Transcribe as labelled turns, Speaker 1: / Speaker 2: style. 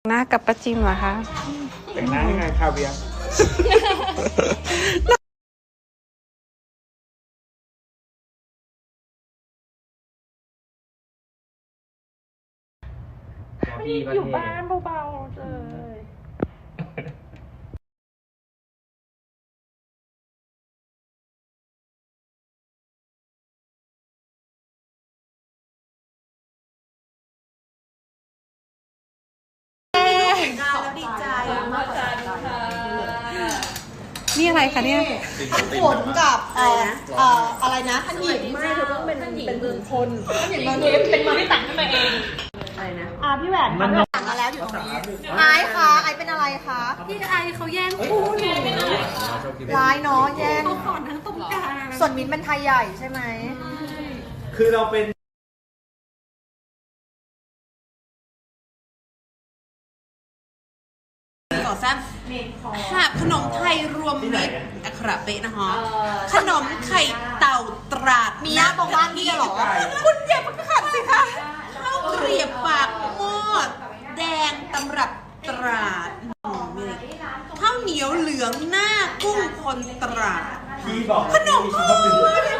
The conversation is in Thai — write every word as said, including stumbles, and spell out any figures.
Speaker 1: หน้ากับป้าจิมเหรอคะ
Speaker 2: แต่งหน้าให้ไงคาเวียร์
Speaker 1: อยู่บ้านเบาๆเลย
Speaker 3: ดีใจ
Speaker 1: นี่อะไรคะเนี่ย
Speaker 3: ผลกับเอ่อเอ่ออะไรนะท่านหญิงไม่เธอต้องเป็นเป็นบุคคลท่านหญิงมันเป็นมือที่ตักขึ้นมาเองอะไรนะอ่าพี่แหวนมันตักมาแล้วอยู่ตรงนี้ไอ้คะไอ้เป็นอะไรคะพี่ไอ้เขาแย่งคู่หนูร้ายเนาะแย่งเขาขอนทั้งตรงกลางส่วนมิ้นเป็นไทยใหญ่ใช่ไหม
Speaker 2: คือเราเป็น
Speaker 4: ต่อแซ่บหาบขนมไทยรวมมิตรอัคระเป๊ะนะคะขนมไข่เต่าตราด
Speaker 3: มีญาติตรงบ้านพี่เหรอ
Speaker 4: คุณอย่าเพิ่งขัดสิคะข้าวเกรียบปากหม้อแดงตำรับตราดข้าวเหนียวเหลืองหน้ากุ้งคนตราด
Speaker 2: พี่บอก
Speaker 4: ขนมพื้น